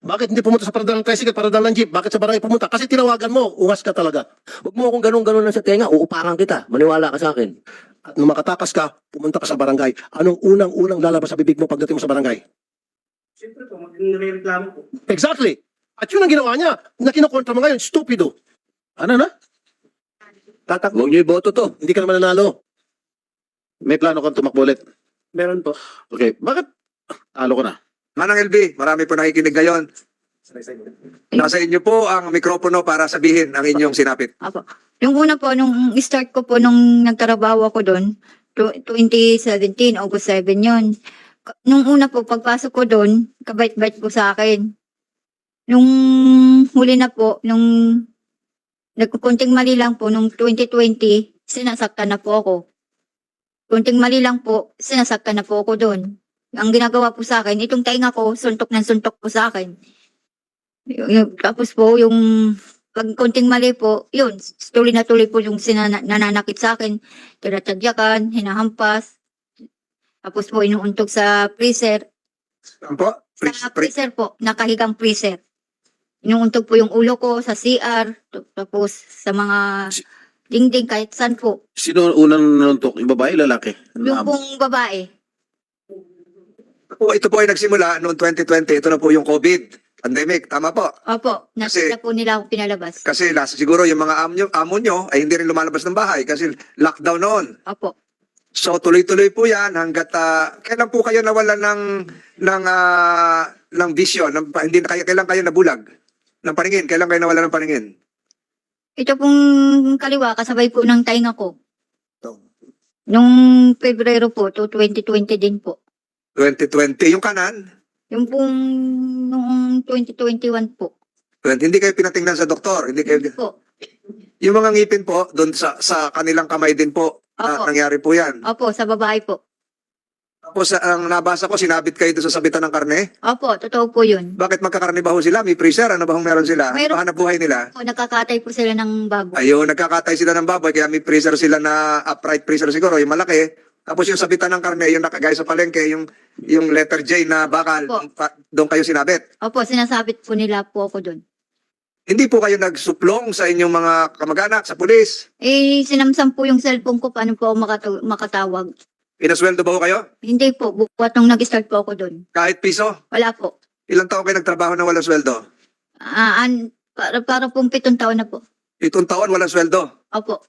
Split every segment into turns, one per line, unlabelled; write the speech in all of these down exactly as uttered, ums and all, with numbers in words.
Bakit hindi pumunta sa paradal ng tricycle, paradal ng jeep? Bakit sa barangay pumunta? Kasi tinawagan mo, ungas ka talaga.
Huwag mo akong ganun-ganun lang sa tenga, uupakan kita. Maniwala ka sa akin.
At nung makatakas ka, pumunta ka sa barangay. Anong unang-unang lalabas sa bibig mo pagdating mo sa barangay?
Siyempre po, magre-reklamo po.
Exactly. At yun ang ginawa niya, na kinukontra mo ngayon, stupido. Ano na? Tatakbo.
Huwag niyo iboto to.
Hindi ka naman nanalo. May plano kang tumakbo ulit.
Meron po.
Okay, bakit? Talo ko na.
Manang L B, marami po nakikinig ngayon. Nasa inyo po ang mikropono para sabihin ang inyong sinapit.
Apo. Yung una po, nung start ko po, nung nagtrabaho ako doon, tw- twenty seventeen, August seven yun. K- Nung una po, pagpasok ko doon, kabait-bait po sa akin. Nung huli na po, nung nagkukunting mali lang po, nung twenty twenty, sinasaktan na po ako. Kunting mali lang po, sinasaktan na po ako doon. Ang ginagawa po sa akin, itong tainga ko, suntok ng suntok po sa akin. Y- y- tapos po, yung pag konting mali po, yun, tuloy na tuloy po yung sinana, nananakit sa akin. Tinatagyakan, hinahampas. Tapos po, inuuntog sa freezer.
Ano po? Please,
Sa
pre-
freezer po, nakahigang freezer. Inuuntog po yung ulo ko sa C R. Tapos sa mga dingding, kahit saan po.
Sino unang nanuntok? Yung babae, lalaki?
Yung pong babae.
po, ito po ay nagsimula noong twenty twenty. Ito na po yung COVID pandemic. Tama po.
Opo,
Kasi-
nakita po nila ako pinalabas.
Kasi last, siguro yung mga amo nyo, amo nyo ay hindi rin lumalabas ng bahay kasi lockdown noon.
Opo.
So tuloy-tuloy po yan hanggat ah, kailan po kayo nawala ng ng ah, ng vision, ng, hindi na kayo kailan kayo nabulag ng paningin, kailan kayo nawala ng paningin?
Ito pong kaliwa, kasabay po ng tainga ko. Nung Pebrero po, to twenty twenty din po.
twenty twenty, yung kanan,
Yung pong noong twenty twenty-one po.
hindi kayo pinatingnan sa doktor, hindi kayo
Po.
yung mga ngipin po doon sa sa kanilang kamay din po na
Opo.
nangyari po yan.
Opo, sa babae po.
Tapos ang nabasa ko, sinabit kayo doon sa sabitan ng karne.
Opo, totoo po yun.
Bakit magkakarne ba ho sila? May freezer? Ano ba hong meron sila?
Mayroon.
Pahanap buhay nila?
O, nakakatay po sila ng baboy.
Ayun, nagkakatay sila ng baboy, kaya may freezer sila na upright freezer siguro, yung malaki. Tapos yung sabitan ng karne, yung nakagaya sa palengke, yung yung letter J na bakal,
Opo.
pa- doon kayo sinabit.
Opo, sinasabit po nila po ako doon.
Hindi po kayo nagsuplong sa inyong mga kamag-anak, sa pulis?
Eh, sinamsam po yung cellphone ko, paano po ako makatu- makatawag.
Pinasweldo ba ho kayo?
Hindi po, bukwat nung nag-start po ako doon.
Kahit piso?
Wala po.
Ilang taon kayo nagtrabaho na walang sweldo?
Ah, an, para, para pong pitong taon na po.
Itong taon walang sweldo.
Opo.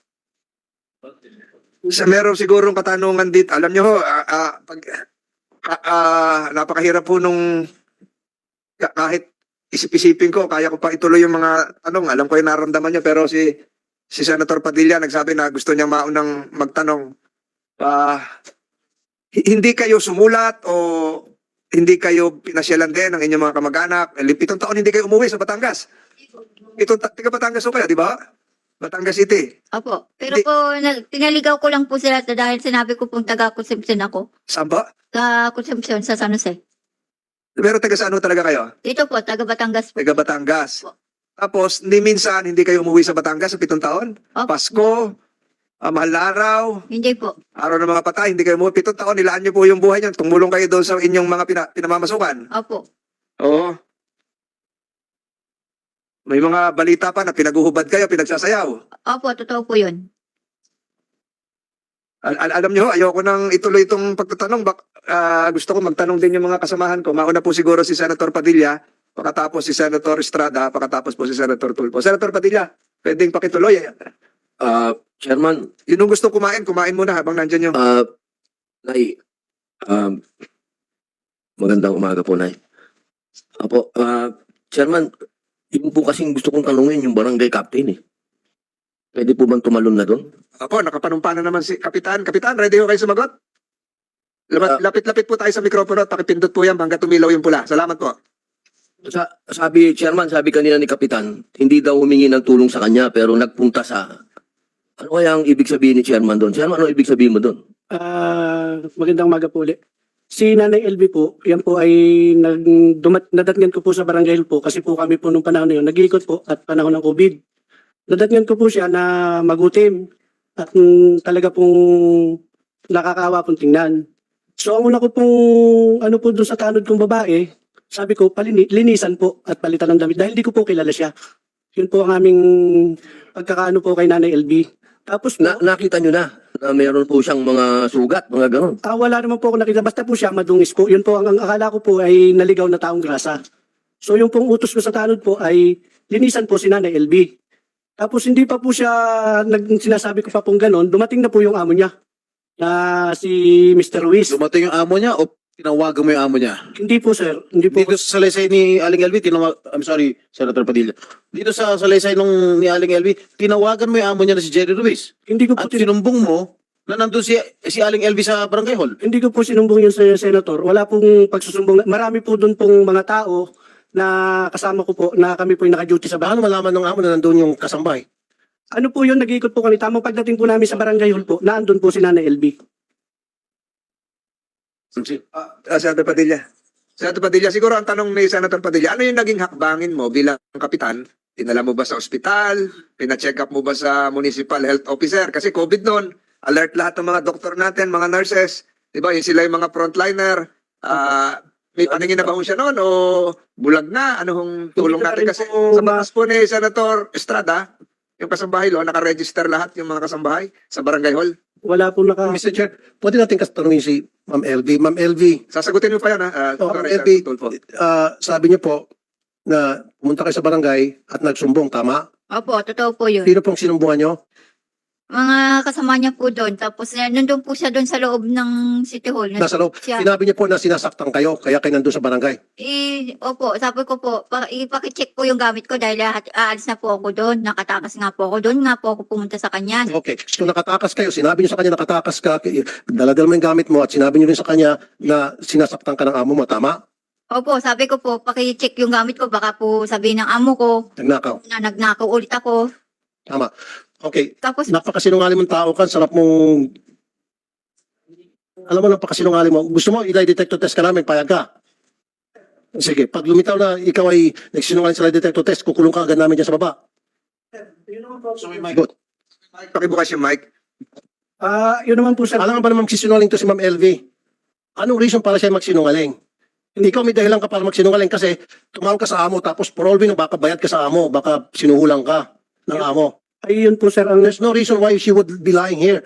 Sa meron sigurong katanungan dito. Alam nyo ho, ah, ah, pag, ah, ah, napakahirap po nung ka- kahit isip-isipin ko, kaya ko pa ituloy yung mga tanong. Alam ko yung nararamdaman nyo, pero si si Senator Padilla nagsabi na gusto niya maunang magtanong. Ah, hi- hindi kayo sumulat o hindi kayo pinasyalan din ng inyong mga kamag-anak? Eh, Pitong taon hindi kayo umuwi sa Batangas. Pitong ta- taga Batangas ho kayo, di ba? Batangas City.
Opo. Pero
Hindi-
po, na, tinaligaw ko lang po sila dahil sinabi ko pong taga-consumption ako.
Saan ba?
Sa consumption sa San Jose.
Pero taga saan ho talaga kayo?
Dito po, taga Batangas po.
Taga Batangas.
Opo.
Tapos, ni minsan, hindi kayo umuwi sa Batangas sa pitong taon?
Opo.
Pasko, ah, mahal na araw,
Hindi po.
araw ng mga patay, hindi kayo umuwi. Pitong taon, nilaan niyo po yung buhay niyo. Tumulong kayo doon sa inyong mga pina, pinamamasukan.
Opo.
Oo. May mga balita pa na pinaguhubad kayo, pinagsasayaw.
Opo, totoo po yun.
Al- al- alam niyo, ayoko nang ituloy itong pagtatanong. Bak ah, gusto ko magtanong din yung mga kasamahan ko. Mauna po siguro si Senator Padilla, pakatapos si Senator Estrada, pakatapos po si Senator Tulfo. Senator Padilla, pwedeng pakituloy.
Ah, Chairman,
Yun yung gusto kumain, kumain muna habang nandyan yung...
ah, Nay, um, magandang umaga po, Nay. Apo, ah, Chairman, yun po kasing gusto kong tanungin yung barangay captain eh. Pwede po bang tumalon na doon?
Ako, nakapanumpa na naman si Kapitan. Kapitan, ready ho kayo sumagot? Lamat-
Ah.
Lapit-lapit po tayo sa mikropono at pakipindot po yan hanggang tumilaw yung pula. Salamat po.
Sa, sabi, Chairman, sabi kanina ni Kapitan, hindi daw humingi ng tulong sa kanya pero nagpunta sa... Ano kaya ang ibig sabihin ni Chairman doon? Chairman, ano ibig sabihin mo doon?
Ah, magandang umaga po ulit. Si Nanay L B po, yan po ay nag, dumat, nadatngan ko po sa barangay po kasi po kami po nung panahon na yun, nag-iikot po at panahon ng COVID. Nadatngan ko po siya na magutim at mm, talaga pong nakakawa pong tingnan. So ang una ko pong ano po doon sa tanod kong babae, Sabi ko, palini, linisan po at palitan ng damit dahil di ko po kilala siya. Yun po ang aming pagkakaano po kay Nanay L B. Tapos po,
Na, nakita nyo na na meron po siyang mga sugat, mga gano'n.
ah, wala naman po ako nakita. Basta po siya madungis po. Yun po, ang, ang akala ko po ay naligaw na taong grasa. So yung pong utos ko sa tanod po ay linisan po si Nanay L B. Tapos hindi pa po siya, nag, sinasabi ko pa pong gano'n, dumating na po yung amo niya na si Mister Ruiz.
Dumating yung amo niya o tinawagan mo yung amo niya?
Hindi po sir, hindi po.
Dito sa salaysay ni Aling L V, tinawag, I'm sorry, Senator Padilla. Dito sa salaysay nung ni Aling L V, tinawagan mo yung amo niya na si Jerry Ruiz.
Hindi ko po
At
tin-
sinumbong mo na nandun si, si Aling L V sa barangay hall.
Hindi ko po sinumbong yun sa senator. Wala pong pagsusumbong. Marami po doon pong mga tao na kasama ko po na kami po yung naka-duty sa bahay.
Paano malaman ng amo na nandun yung kasambahay?
Ano po yun, nag-iikot po kami. Tamang pagdating po namin sa barangay hall po, naandun po si Nanay L B.
Ah, ah, Senator Padilla. Senator Padilla, siguro ang tanong ni Senator Padilla, ano yung naging hakbangin mo bilang kapitan? Dinala mo ba sa ospital? Pina-check up mo ba sa municipal health officer? Kasi COVID noon, alert lahat ng mga doktor natin, mga nurses. Di ba? Yun sila yung mga frontliner. Ah, may paningin na ba ho siya noon o bulag na? Anong tulong
Hindi na
natin?
rin
Kasi
po
sa
ma-
batas po ni Senator Estrada, yung kasambahay lo, nakaregister lahat yung mga kasambahay sa barangay hall.
Wala po naka...
mister Chair, pwede natin katanungin si Ma'am L V. Ma'am L V,
Sasagutin mo pa yan, ha? Ah,
Oh,
sorry,
Ma'am L V,
Senator Tulfo.
ah, sabi niyo po na pumunta kayo sa barangay at nagsumbong, tama?
Opo, totoo po yun.
Sino pong sinumbungan niyo?
Mga kasama niya po doon. Tapos eh, nandun po siya doon sa loob ng City Hall.
Nasa loob.
Siya.
Sinabi niyo po na sinasaktan kayo, kaya kayo nandun sa barangay.
Eh, opo, sabi ko po, pa, ipakicheck po yung gamit ko dahil lahat, aalis na po ako doon. Nakatakas nga po ako doon. Nga po ako pumunta sa kanya.
Okay. So nakatakas kayo, sinabi niyo sa kanya nakatakas ka, daladal mo yung gamit mo at sinabi niyo rin sa kanya na sinasaktan ka ng amo mo, tama?
Opo, sabi ko po, pakicheck yung gamit ko. Baka po sabihin ng amo ko
Nagnakaw.
na nagnakaw ulit ako.
Tama. Okay.
Tapos,
Napakasinungaling mong tao ka, sarap mong... Alam mo, napakasinungaling mo. Gusto mo, ilay detector test ka namin, payag ka. Sige, pag lumitaw na ikaw ay nagsinungaling sa lie detector test, kukulong ka agad namin dyan sa baba.
Yun naman po.
So, my God.
Mike, pakibukas yung mic.
Ah, yun naman po sir.
Alam nga ba naman magsisinungaling to si Ma'am L V? Anong reason para siya magsinungaling? Hindi ikaw may dahilan ka para magsinungaling kasi tumawag ka sa amo tapos for all we know, baka bayad ka sa amo, baka sinuhulang ka ng amo.
Ay, yun po sir. Ang
There's no reason why she would be lying here.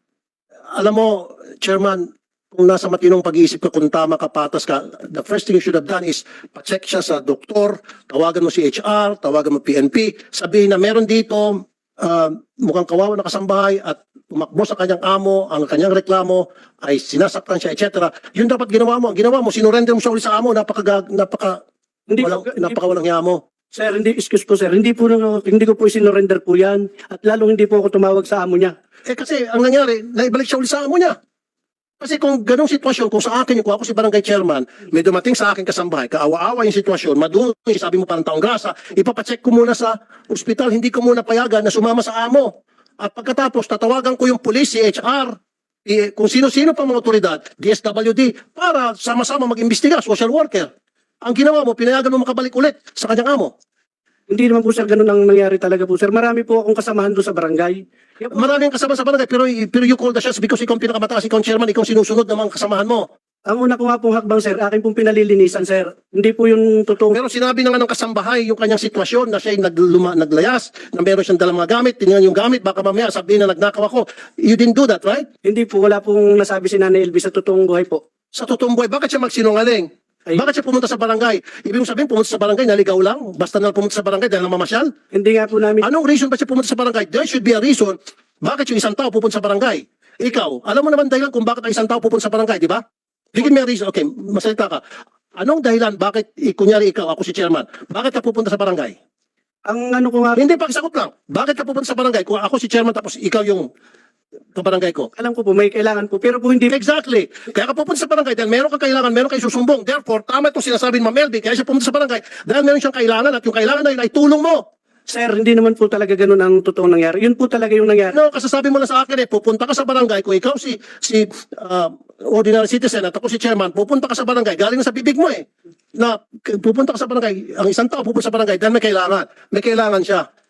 Alam mo, Chairman, kung nasa matinong pag-iisip ka, kung tama ka, patas ka, the first thing you should have done is pa-check siya sa doktor, tawagan mo si H R, tawagan mo P N P, sabihin na meron dito, uh, mukhang kawawa na kasambahay at tumakbo sa kanyang amo, ang kanyang reklamo ay sinasaktan siya, et cetera. Yun dapat ginawa mo. Ang ginawa mo, sinurrender mo siya ulit sa amo, napaka, napaka,
hindi
walang,
po, hindi
napaka walang hiya mo.
Sir, hindi, excuse po sir, hindi po, hindi ko po isinorender po yan. At lalong hindi po ako tumawag sa amo niya.
Eh kasi ang nangyari, naibalik siya ulit sa amo niya. Kasi kung ganong sitwasyon, kung sa akin yung kung ako si barangay chairman, may dumating sa akin kasambahay, kaawa-awa yung sitwasyon, madungi, sabi mo parang taong grasa, ipapacheck ko muna sa ospital, hindi ko muna payagan na sumama sa amo. At pagkatapos, tatawagan ko yung police, si H R, eh, kung sino-sino pa mga otoridad, D S W D, para sama-sama mag-imbestiga, social worker. Ang ginawa mo, pinayagan mo makabalik ulit sa kanyang amo.
Hindi naman po sir, ganun ang nangyari talaga po sir. Marami po akong kasamahan doon sa barangay. Yan po,
Maraming kasama sa barangay, pero, pero you call the shots because ikaw ang pinakamataas, ikaw ang chairman, ikaw ang sinusunod ng mga kasamahan mo.
ang una ko nga pong hakbang sir, akin pong pinalilinisan sir. Hindi po yung totoo.
Pero sinabi na nga ng kasambahay yung kanyang sitwasyon na siya ay nagluma, naglayas, na meron siyang dalang mga gamit, tinignan yung gamit, baka mamaya sabihin na nagnakaw ako. You didn't do that, right?
Hindi po, wala pong nasabi si Nanay Elvis sa totoong buhay po.
Sa totoong buhay, bakit siya magsinungaling?
Ay,
Bakit siya pumunta sa barangay? Ibig mong sabihin, pumunta sa barangay, naligaw lang? Basta na pumunta sa barangay dahil namamasyal?
hindi nga po namin,
Anong reason ba siya pumunta sa barangay? There should be a reason bakit yung isang tao pupunta sa barangay. Ikaw, alam mo naman dahilan kung bakit ang isang tao pupunta sa barangay, di ba? Bigyan mo yung reason. Okay, masalita ka. Anong dahilan bakit, eh, kunyari ikaw, ako si chairman, bakit ka pupunta sa barangay?
ang ano ko nga,
Hindi, pakisagot lang. Bakit ka pupunta sa barangay? Kung ako si chairman tapos ikaw yung kabarangay ko.
alam ko po, may kailangan po. Pero po hindi,
Exactly. Kaya ka pupunta sa barangay dahil meron kang kailangan, meron kang susumbong. Therefore, tama itong sinasabi ni Ma'am Melby, kaya siya pumunta sa barangay dahil meron siyang kailangan at yung kailangan na yun ay tulong mo.
sir, hindi naman po talaga ganun ang totoong nangyari. Yun po talaga yung nangyari.
No, kasasabi mo lang sa akin eh, pupunta ka sa barangay, kung ikaw si si ah, ordinary citizen at ako si chairman, pupunta ka sa barangay, galing na sa bibig mo eh. Na k- pupunta ka sa barangay, ang isang tao pupunta sa barangay dahil may kailangan. May kailangan siya.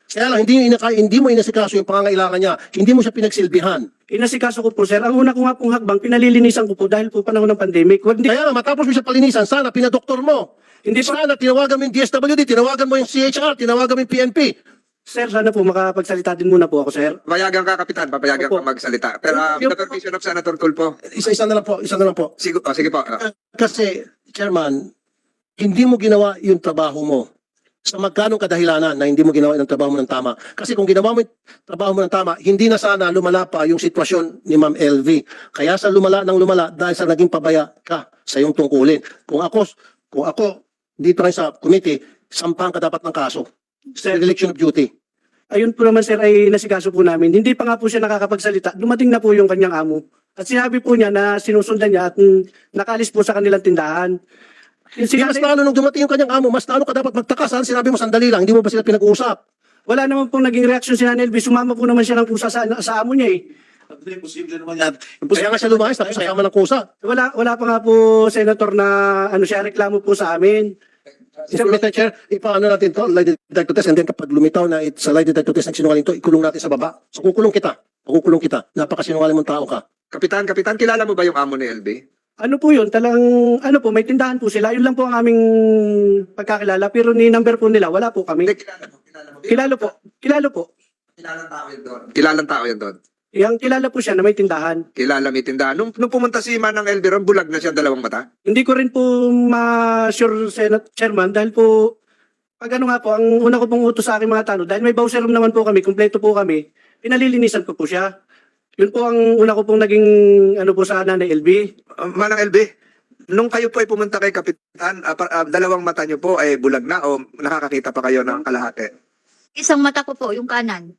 Kaya lang, hindi, inaka, hindi mo inasikaso yung pangangailangan niya. Hindi mo siya pinagsilbihan.
Inasikaso ko po, sir. Ang una ko nga pong hakbang, pinalilinisan ko po dahil po panahon ng pandemic. Hindi,
Kaya nga, matapos mo siya palinisan, sana pinadoktor mo.
hindi po,
Sana tinawagan mo yung D S W D, tinawagan mo yung C H R, tinawagan mo yung P N P.
sir, sana po makapagsalita din muna po ako, sir.
Papayagan ka, Kapitan. Papayagan
Opo.
ka magsalita. Pero uh, with
Yung-
the permission of Senator Tulfo.
Isa-isa na lang po, isa na lang po.
Sige, oh, sige po. Ah,
Kasi, Chairman, hindi mo ginawa yung trabaho mo. Sa magkanong kadahilanan na hindi mo ginawa yung trabaho mo ng tama. Kasi kung ginawa mo yung trabaho mo ng tama, hindi na sana lumala pa yung sitwasyon ni Ma'am L V. Kaya sa lumala ng lumala dahil sa naging pabaya ka sa iyong tungkulin. Kung ako, kung ako dito rin sa committee, sampahan ka dapat ng kaso.
Sir,
Dereliction of duty.
ayun po naman, sir, ay nasikaso po namin. Hindi pa nga po siya nakakapagsalita. Dumating na po yung kanyang amo. At sinabi po niya na sinusundan niya at mm, nakalis po sa kanilang tindahan. Yung
Hindi mas
sinabi-
lalo nung dumating yung kanyang amo, mas lalo ka dapat magtaka. Saan sinabi mo sandali lang, hindi mo ba sila pinag-uusap?
Wala naman pong naging reaksyon si Nanay Elvis. Sumama po naman siya ng kusa sa, sa amo niya eh.
Imposible naman yan.
Kaya nga siya lumayas, tapos kasama ng kusa.
Wala, wala pa nga po, Senator, na ano siya, reklamo po sa amin.
Mister Mister Chair, ipaano natin to, lie detector test, and then kapag lumitaw na it, sa lie detector test nagsinungaling to, ikulong natin sa baba. So kukulong kita, kukulong kita. Napakasinungaling mong tao ka.
Kapitan, Kapitan, kilala mo ba yung amo ni L B?
Ano po yun? Talang, ano po, may tindahan po sila. Yun lang po ang aming pagkakilala. Pero ni number po nila, wala po kami.
Hindi, kilala mo. Kilala mo.
Kilalo po. Kilalo po.
Kilalang tao yun doon. Kilalang tao yun doon.
Yang kilala po siya na may tindahan.
Kilala may tindahan. Nung, nung pumunta si Manang L B ron, bulag na siya dalawang mata.
Hindi ko rin po ma-sure, Senate Chairman, dahil po, pag ano nga po, ang una ko pong utos sa aking mga tanong, dahil may bowser room naman po kami, kumpleto po kami, pinalilinisan ko po siya. Yun po ang una ko pong naging, ano po sa Nanay L B.
Uh, Manang L B, nung kayo po ay pumunta kay Kapitan, ah, pa- ah, dalawang mata niyo po ay bulag na o nakakakita pa kayo ng kalahati?
Isang mata ko po, yung kanan.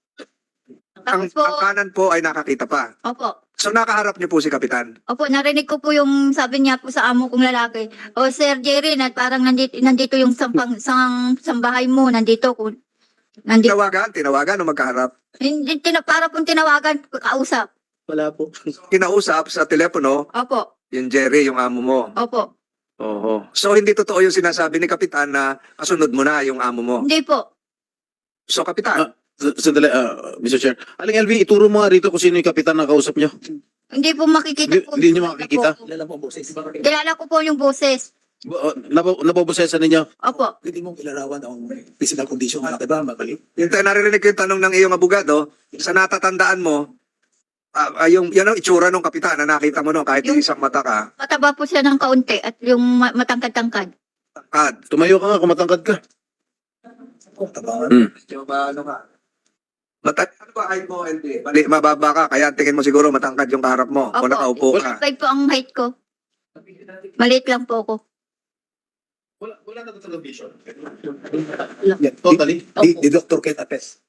Ang,
Tapos po,
ang kanan po ay nakakita pa.
opo.
So nakaharap niyo po si Kapitan.
Opo, narinig ko po yung sabi niya po sa amo kong lalaki. O Sir Jerry, na parang nandito, nandito yung sampang, sang, sambahay mo, nandito. Kung, nandito.
Tinawagan, tinawagan o magkaharap.
Hindi, tina, para pong tinawagan, kausap.
Wala po.
Kinausap sa telepono,
Opo,
yung Jerry, yung amo mo.
opo.
Oo. So hindi totoo yung sinasabi ni Kapitan na kasunod mo na yung amo mo.
Hindi po.
So Kapitan,
S- Sandali, ah, Mister Chair. Aling L V, ituro mo nga rito kung sino yung kapitan na kausap nyo.
Hindi po makikita
Hindi-
po.
hindi niyo makikita?
Po. Kilala ko po yung boses.
Uh, nabo, nabobosesan ninyo.
Opo.
Hindi mo ilarawan ang physical condition mo, diba? Mabalik.
yung tayo naririnig ko yung tanong ng iyong abogado, sa natatandaan mo, ah, ah, yung, yan ang itsura ng Kapitan na nakita mo no, kahit
Yung-
isang mata ka.
Mataba po siya ng kaunti at yung ma- matangkad-tangkad.
Kad.
Tumayo ka nga kung matangkad ka.
Tabangan.
Hmm.
Yung ba, ano ka? Mata ano ba height mo, L B? Mali, mababa ka, kaya tingin mo siguro matangkad yung kaharap mo o
Opo.
nakaupo ka.
five po ang height ko. Maliit lang po ako.
Wala, wala na talagang vision.
Yeah,
Totally.
Di, di Doctor Ken Apes.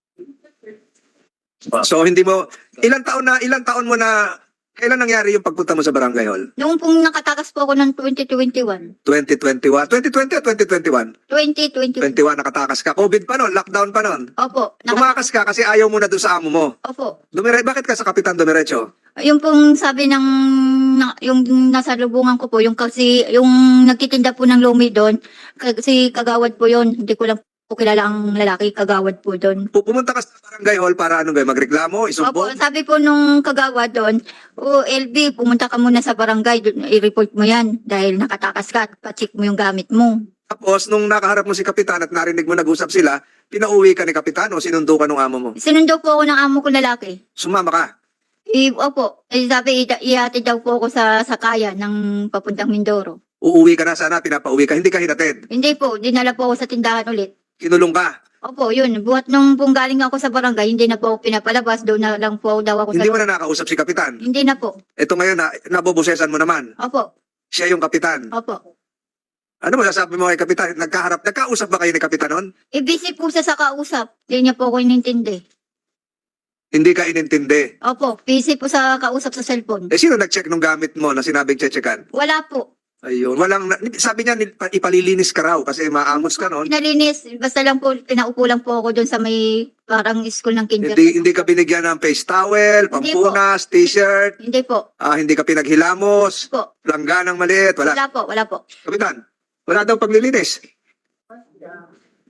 So hindi mo, ilang taon na, ilang taon mo na, kailan nangyari yung pagpunta mo sa Barangay Hall?
Noong pong nakatakas po ako ng twenty twenty-one.
twenty twenty-one? twenty twenty o twenty twenty-one?
twenty twenty-one.
twenty-one nakatakas ka. COVID pa noon, lockdown pa noon.
Opo. Naka-
Tumakas ka kasi ayaw mo na doon sa amo mo.
Opo.
Dumire, bakit ka sa Kapitan Dumiretso?
Yung pong sabi ng na, yung nasa lubungan ko po, yung kasi yung nagtitinda po ng lumi doon, kasi kagawad po yon. Hindi ko lang po kilala ang lalaki, kagawad po doon.
Pu- Pumunta ka sa Barangay Hall para ano ba, magreklamo,
Opo,
isumbong?
sabi po nung kagawad doon, o L B, pumunta ka muna sa barangay, doon, i-report mo yan dahil nakatakas ka at pa-check mo yung gamit mo.
Tapos, nung nakaharap mo si Kapitan at narinig mo nag-usap sila, pinauwi ka ni Kapitan o sinundo ka ng amo mo?
Sinundo po ako ng amo ko lalaki.
Sumama ka.
I, opo, eh, sabi, i- ihatid daw po ako sa sakaya ng papuntang Mindoro.
Uuwi ka na sana, pinapauwi ka, hindi ka hinatid.
Hindi po, dinala po ako sa tindahan ulit.
Kinulong ka.
Opo, yun. Buhat nung pong galing ako sa barangay, hindi na po ako pinapalabas. Doon na lang po daw ako
Hindi
sa...
mo na nakausap si Kapitan.
Hindi na po.
Ito ngayon, na, nabobosesan mo naman.
Opo,
Siya yung Kapitan.
opo.
Ano mo sasabi mo kay Kapitan? Nagkaharap, nagkausap ba kayo ni Kapitan noon?
E busy po siya sa kausap. Hindi niya po ako inintindi.
Hindi ka inintindi.
Opo, busy po sa kausap sa cellphone.
Eh, sino nag-check nung gamit mo na sinabing chechekan?
Wala po.
Ayun. Walang, sabi niya, nil- ipalilinis ka raw kasi maangos ka noon.
Pinalinis. Basta lang po, pinaupo lang po ako doon sa may parang school ng kinder.
Hindi, hindi ka binigyan ng face towel,
Hindi
pampunas, t-shirt,
Hindi po.
ah, hindi ka pinaghilamos,
Po.
langganang maliit, wala.
Wala po, wala po.
Kapitan, wala daw paglilinis.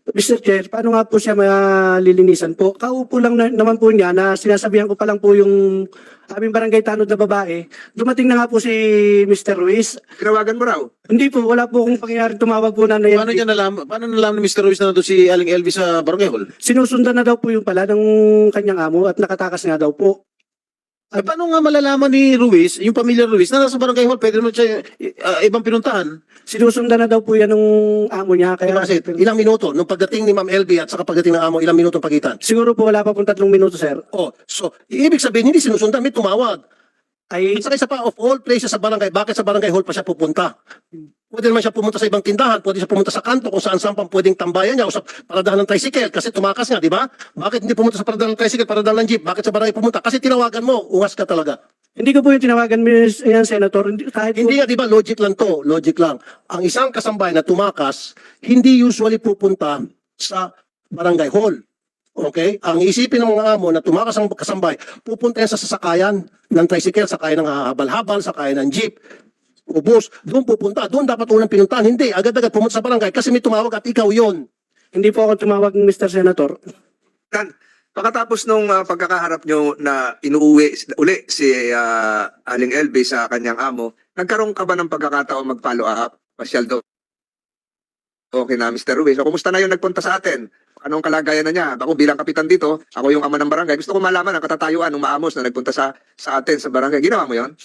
Mister Chair, paano nga po siya malilinisan po? Kaupo lang na, naman po niya na sinasabihan ko pa lang po yung aming barangay tanod na babae. Dumating na nga po si Mister Ruiz.
Tinawagan mo raw.
Hindi po, wala po akong pangyayari tumawag po na
Paano niya nalaman, paano nalaman ni Mister Ruiz na nandun si Aling L V sa Barangay Hall?
Sinusundan na daw po yung pala ng kanyang amo at nakatakas nga daw po.
Ay, paano nga malalaman ni Ruiz, yung pamilya Ruiz, na nasa Barangay Hall, pwede naman siya uh, ibang pinuntahan?
Sinusundan na daw po yan ng amo niya. Kaya,
Kaya kasi ilang minuto, nung pagdating ni Ma'am L B at saka pagdating ng amo, ilang minuto ang pagitan?
siguro po wala pa pong tatlong minuto, sir.
Oh, so, ibig sabihin, hindi sinusundan, may tumawag.
Ay,
At saka isa pa, of all places sa barangay, bakit sa barangay hall pa siya pupunta? Pwede naman siya pumunta sa ibang tindahan, pwede siya pumunta sa kanto kung saan saan pang pwedeng tambayan niya o sa paradahan ng tricycle kasi tumakas nga, di ba? Bakit hindi pumunta sa paradahan ng tricycle, paradahan ng jeep? Bakit sa barangay pumunta? Kasi tinawagan mo, ungas ka talaga.
hindi ko po yung tinawagan, Miss yan, Senator. Hindi, kahit po,
Hindi nga, di ba, logic lang to, logic lang. Ang isang kasambay na tumakas, hindi usually pupunta sa barangay hall. Okay? Ang isipin ng mga amo na tumakas ang kasambay, pupunta yan sa sasakayan ng tricycle, sakayan ng habal-habal, sakayan ng jeep, o bus, doon pupunta. Doon dapat unang pinuntahan. Hindi, agad-agad pumunta sa barangay kasi may tumawag at ikaw yon.
hindi po ako tumawag, Mister Senator.
Tan, pagkatapos nung ah, pagkakaharap nyo na inuuwi uli si ah, Aling L B sa kanyang amo, nagkaroon ka ba ng pagkakataon mag-follow up? Pasyal do. Okay na, Mister Ruiz. So, kumusta na yung nagpunta sa atin? Anong kalagayan na niya? Ako bilang kapitan dito, ako yung ama ng barangay. Gusto ko malaman ang katatayuan ng maamos na nagpunta sa sa atin sa barangay. Ginawa mo yon?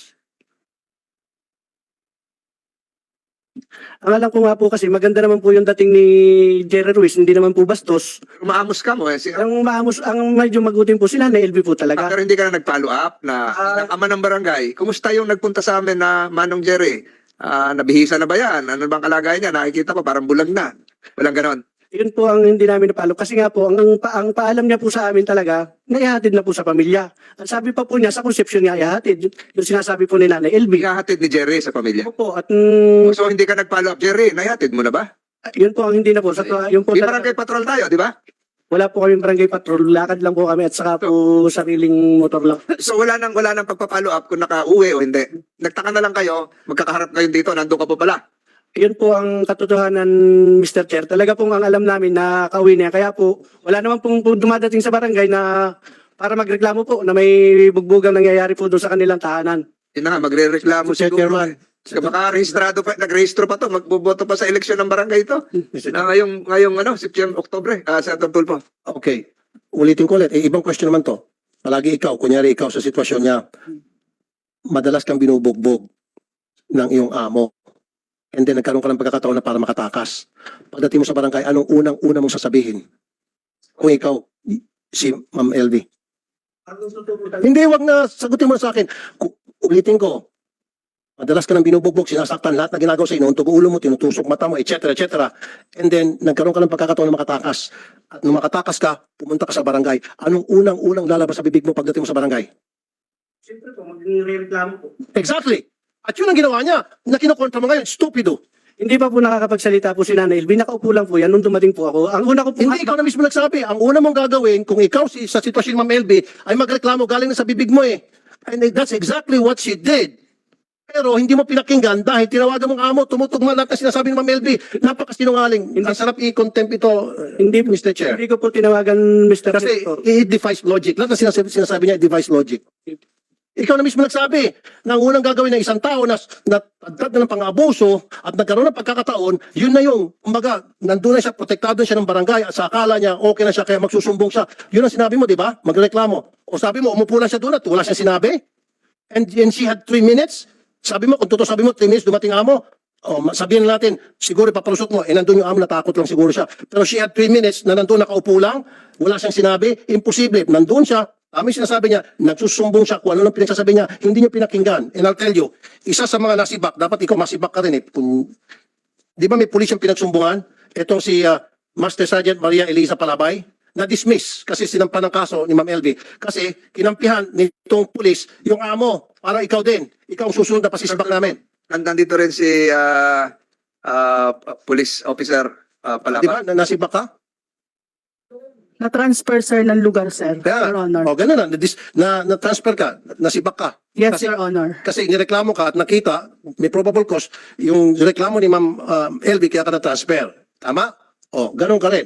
Ang alam ko nga po kasi maganda naman po yung dating ni Jerry Ruiz, hindi naman po bastos.
Maamos ka mo eh. Si,
Ang maamos, ang medyo maguting po sila na L B po talaga.
pero hindi ka na nag-follow up na
Ah.
ng ama ng barangay. Kumusta yung nagpunta sa amin na Manong Jerry? Ah, nabihisa na ba yan? Ano bang kalagayan niya? Nakikita ko parang bulag na. Walang ganon.
Yun po ang hindi namin napalo. Kasi nga po, ang, ang, pa- ang paalam niya po sa amin talaga, naihatid na po sa pamilya. Ang sabi pa po niya, sa conception niya, ihatid. Yung, yung sinasabi po ni Nanay L B.
Ihahatid ni Jerry sa pamilya.
Po, at mm,
So hindi ka nag-follow up, Jerry. Naihatid mo na ba?
yun po ang hindi na po. Sa, yun po
May
talaga-
barangay patrol tayo, di ba?
wala po kami barangay patrol. Lakad lang po kami at saka po sariling motor lang.
So wala nang wala nang pagpa-follow up kung naka-uwi o hindi. Nagtaka na lang kayo, magkakaharap kayo dito, nandun ka pa pala.
Yun po ang katotohanan, Mister Chair. Talaga pong ang alam namin na kauwi niya. Kaya po, wala naman pong pong dumadating sa barangay na para magreklamo po na may bugbugang nangyayari po doon sa kanilang tahanan.
Yun na nga, magre-reklamo
Mister
siguro.
Chairman.
Baka rehistrado pa, nagrehistro pa to, magboboto pa sa eleksyon ng barangay ito. Na ngayong, ngayong ano, September, Oktobre, ah, sa Tulfo.
Okay. Ulitin ko ulit. Eh, ibang question naman to. Palagi ikaw, kunyari ikaw sa sitwasyon niya, madalas kang binubugbog ng iyong amo. And then nagkaroon ka ng pagkakataon na para makatakas. Pagdating mo sa barangay, anong unang-una mong sasabihin? Kung ikaw, si Ma'am L V. Hindi, wag na sagutin mo na sa akin. Ku- Ulitin ko. Madalas ka nang binubugbog, sinasaktan lahat na ginagawa sa inuuntog ulo mo, tinutusok mata mo, et cetera, et cetera. And then, nagkaroon ka ng pagkakataon na makatakas. At nung makatakas ka, pumunta ka sa barangay. Anong unang-unang lalabas sa bibig mo pagdating mo sa barangay?
Siyempre po, magre-reklamo po.
Exactly. At yun ang ginawa niya. Na kinukontra mo ngayon, stupido.
Hindi pa po nakakapagsalita po si Nanay L B. Nakaupo lang po yan nung dumating po ako. Ang una ko po,
Hindi ikaw na mismo nagsabi. Ang una mong gagawin, kung ikaw si, sa sitwasyon ni Ma'am L B, ay magreklamo galing na sa bibig mo eh. And that's exactly what she did. Pero hindi mo pinakinggan dahil tinawagan mong amo, tumutugma lahat na sinasabi ni Ma'am L B. Napakasinungaling. Ang sarap i-contempt ito,
hindi,
Mister Chair.
hindi ko po tinawagan, Mister
Kasi
Senator.
it defies logic. Lahat na sinasabi, sinasabi niya, it defies logic. Ikaw na mismo nagsabi na ang unang gagawin ng isang tao na natagtad na ng pang-abuso at nagkaroon ng pagkakataon, yun na yung, kumbaga, nandun na siya, protektado siya ng barangay at sa akala niya, okay na siya, kaya magsusumbong siya. Yun ang sinabi mo, di ba? Magreklamo. O sabi mo, umupo lang siya doon at wala siyang sinabi. And, and she had three minutes. Sabi mo, kung totoo sabi mo, three minutes, dumating amo. O, ma- sabihin natin, siguro ipapalusot mo, eh nandun yung amo, natakot lang siguro siya. Pero she had three minutes na nandun nakaupo lang, wala siyang sinabi, imposible. Nandun siya, kami sinasabi niya, nagsusumbong siya kung ano lang pinagsasabi niya, hindi niyo pinakinggan. And I'll tell you, isa sa mga nasibak, dapat ikaw masibak ka rin eh. Kung, di ba may pulis yung pinagsumbungan? Itong si ah, Master Sergeant Maria Elisa Palabay, na-dismiss kasi sinampan ng kaso ni Ma'am L B. Kasi kinampihan nitong pulis yung amo, para ikaw din. Ikaw ang susunod na pasisibak namin.
Nandito rin si ah, ah, police officer ah,
Di
Palapa.
ba? Na nasibak ka?
Na-transfer, sir, ng lugar, sir.
Kaya,
Your Honor.
o ganun na, na, na, na-transfer ka, nasibak ka.
Yes,
kasi-
Your Honor.
Kasi nireklamo ka at nakita, may probable cause, yung reklamo ni Ma'am um, L B kaya ka na-transfer. Tama? O, ganun ka rin.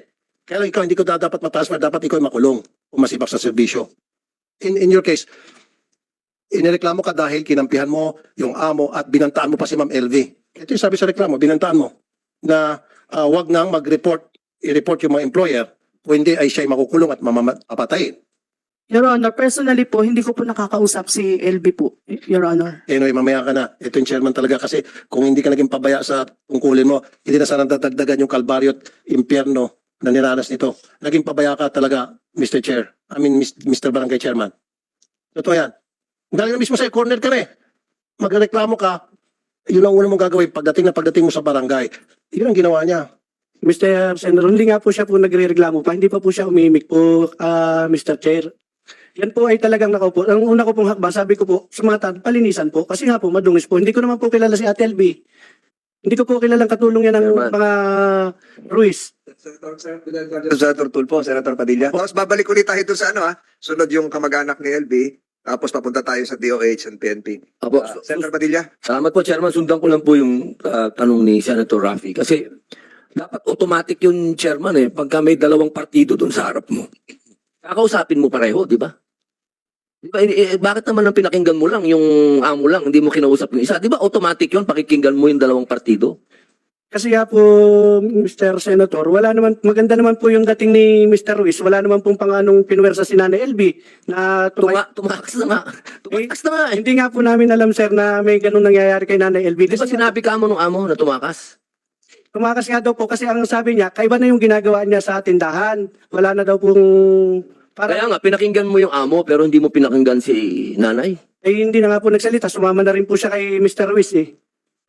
Kaya lang ikaw hindi ko da- dapat matransfer, dapat ikaw ay makulong o masibak sa serbisyo. In, in your case, inireklamo ka dahil kinampihan mo yung amo at binantaan mo pa si Ma'am L V. Ito yung sabi sa reklamo, binantaan mo na ah, wag nang mag-report, i-report yung mga employer kung hindi ay siya'y makukulong at mamapatayin.
Your Honor, personally po, hindi ko po nakakausap si L B po, Your Honor.
Anyway, mamaya ka na. Ito yung chairman talaga kasi kung hindi ka naging pabaya sa tungkulin mo, hindi na sana dadagdagan yung kalbaryo at impyerno na niranas nito. Naging pabaya ka talaga, Mister Chair. I mean, Mister Barangay Chairman. Totoo yan. Galing na mismo sa corner ka na eh. Magreklamo ka, yun ang una mong gagawin pagdating na pagdating mo sa barangay. Yun ang ginawa niya.
Mister Senator, hindi nga po siya po nagre-reklamo pa, hindi pa po siya umimik po, ah, Mister Chair. Yan po ay talagang nakaupo. Ang una ko pong hakbang, sabi ko po, sa mga tan- palinisan po, kasi nga po, madungis po. Hindi ko naman po kilala si Ate L B. Hindi ko po kilalang katulong yan ng
Chairman.
mga Ruiz.
Senator Tulfo, Senator Padilla. Tapos babalik ulit tayo doon sa ano ha, sunod yung kamag-anak ni L B, tapos papunta tayo sa D O H and P N P.
Apo,
Ah, Senator Padilla?
salamat po, Chairman. Sundan ko lang po yung ah, tanong ni Senator Raffy. Kasi dapat automatic yung Chairman eh. Pagka may dalawang partido doon sa harap mo. Kakausapin mo pareho, di ba? Di ba, eh, eh, bakit naman ang pinakinggan mo lang, yung amo lang, hindi mo kinausap yung isa? Di ba automatic yun, pakikinggan mo yung dalawang partido?
Kasi nga po, Mister Senator, wala naman, maganda naman po yung dating ni Mister Ruiz. Wala naman pong panganong pinuwersa si Nanay L B na tumay-
Tuma, tumakas na nga. Tumakas na nga eh.
Hindi nga po namin alam, sir, na may ganun nangyayari kay Nanay L B.
Di ba sinabi ka mo nung amo na tumakas?
Tumakas nga daw po kasi ang sabi niya, kaiba na yung ginagawa niya sa tindahan. Wala na daw pong...
Kaya
Para,
nga, pinakinggan mo yung amo pero hindi mo pinakinggan si nanay.
eh, hindi na nga po nagsalita. Sumama na rin po siya kay Mister Ruiz eh.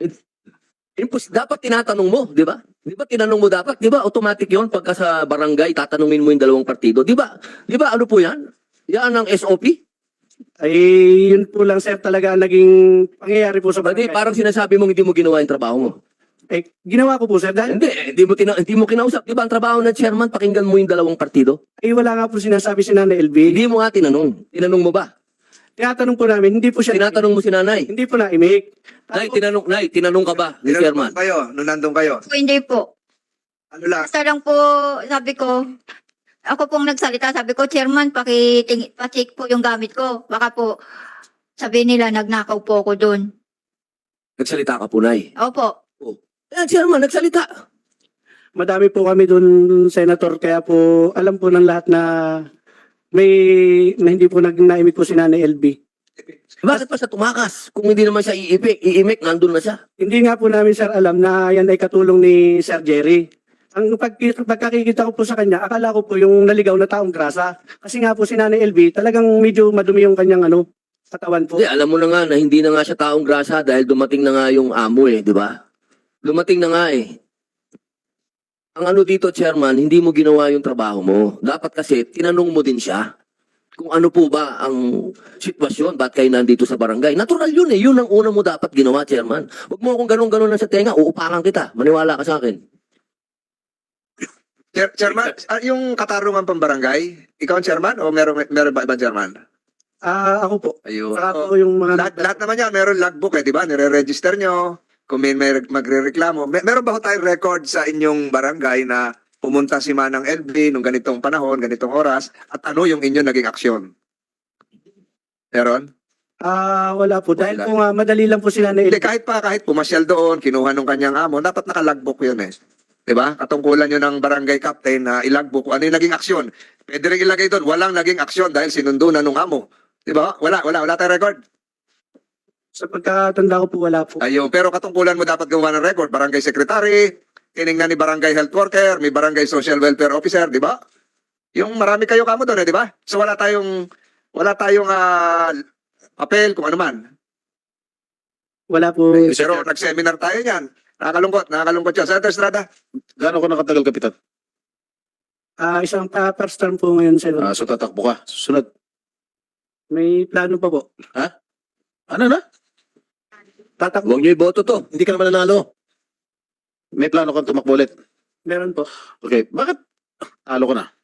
Impos, dapat tinatanong mo, di ba? Di ba tinanong mo dapat? Di ba automatic yon pagka sa barangay, tatanungin mo yung dalawang partido? Di ba? Di ba ano po yan? Yan ang S O P?
Ay, yun po lang, sir, talaga ang naging pangyayari po sa
Hindi,
barangay.
parang sinasabi mong hindi mo ginawa yung trabaho mo.
Eh, ginawa ko po, sir, dahil
Hindi, eh, hindi mo, tina- hindi mo kinausap. Di ba ang trabaho ng chairman, pakinggan mo yung dalawang partido?
ay wala nga po sinasabi si Nanay L B.
Hindi mo nga tinanong. Tinanong mo ba?
Tinatanong po namin, hindi po siya...
Tinatanong mo si nanay.
Hindi po na-imik.
Nay, tinanong, nay, tinanong ka ba ni chairman?
Nung kayo, nung nandun kayo.
Po, hindi po.
Ano lang,
Basta lang po, sabi ko, ako pong nagsalita, sabi ko, Chairman, pakiting, pacheck po yung gamit ko. Baka po, sabi nila, nagnakaw po ako doon.
Nagsalita ka po, nay.
Opo.
Yan, chairman, nagsalita.
Madami po kami doon, Senator, kaya po alam po ng lahat na may na hindi po nag naimik po si Nanay L B.
Bakit pa siya tumakas? Kung hindi naman siya iipik, iimik, nandun na siya.
Hindi nga po namin, sir, alam na yan ay katulong ni Sir Jerry. Ang pag, pagkakikita ko po sa kanya, akala ko po yung naligaw na taong grasa. Kasi nga po si Nanay L B, talagang medyo madumi yung kanyang ano, katawan po.
Hindi, alam mo na nga na hindi na nga siya taong grasa dahil dumating na nga yung amo eh, di ba? Dumating na nga eh. Ang ano dito, chairman, hindi mo ginawa yung trabaho mo. Dapat kasi, tinanong mo din siya kung ano po ba ang sitwasyon, ba't kayo nandito sa barangay. Natural yun eh, yun ang una mo dapat ginawa, chairman. Huwag mo akong ganun-ganun na sa tenga, uupakan kita. Maniwala ka sa akin.
Chair, chairman, ah, yung katarungan pang barangay, ikaw ang chairman o meron, meron ba ibang chairman?
Ah, ako po.
Ayun.
Saka
So,
po yung mga...
lahat, lahat naman yan, meron logbook eh, di ba? Nire-register nyo, kung may, may magre-reklamo. Mer- meron ba ho tayong record sa inyong barangay na pumunta si Manang L B nung ganitong panahon, ganitong oras, at ano yung inyong naging aksyon? Meron?
Ah, wala po. Dahil
Wala.
po nga, madali lang po si Nanay L
Hindi,
B.
kahit pa, kahit pumasyal doon, kinuha nung kanyang amo, dapat naka-logbook yun eh. Di ba? Katungkulan yun ng barangay captain na ilagbook kung ano yung naging aksyon. Pwede rin ilagay doon, walang naging aksyon dahil sinundo na nung amo. Di ba? Wala, wala, wala tayong record.
Sa pagkatanda ko po, wala po.
Ayun, pero katungkulan mo dapat gawa ng record. Barangay secretary, tiningnan ni barangay health worker, may barangay social welfare officer, di ba? Yung marami kayo kamo doon eh, di ba? So wala tayong, wala tayong ah, papel kung ano man.
Wala po.
Pero nag-seminar tayo niyan. Nakakalungkot, nakakalungkot yun. Senator Estrada,
Gaano ko nakatagal, Kapitan?
Ah, isang ah, first term po ngayon, sir.
Ah, so tatakbo ka. Susunod.
May plano pa po.
Ano na?
Tatakbo.
Huwag niyo iboto to.
Hindi ka naman nanalo.
May plano kang tumakbo ulit.
Meron po.
Okay, bakit? Talo ko na.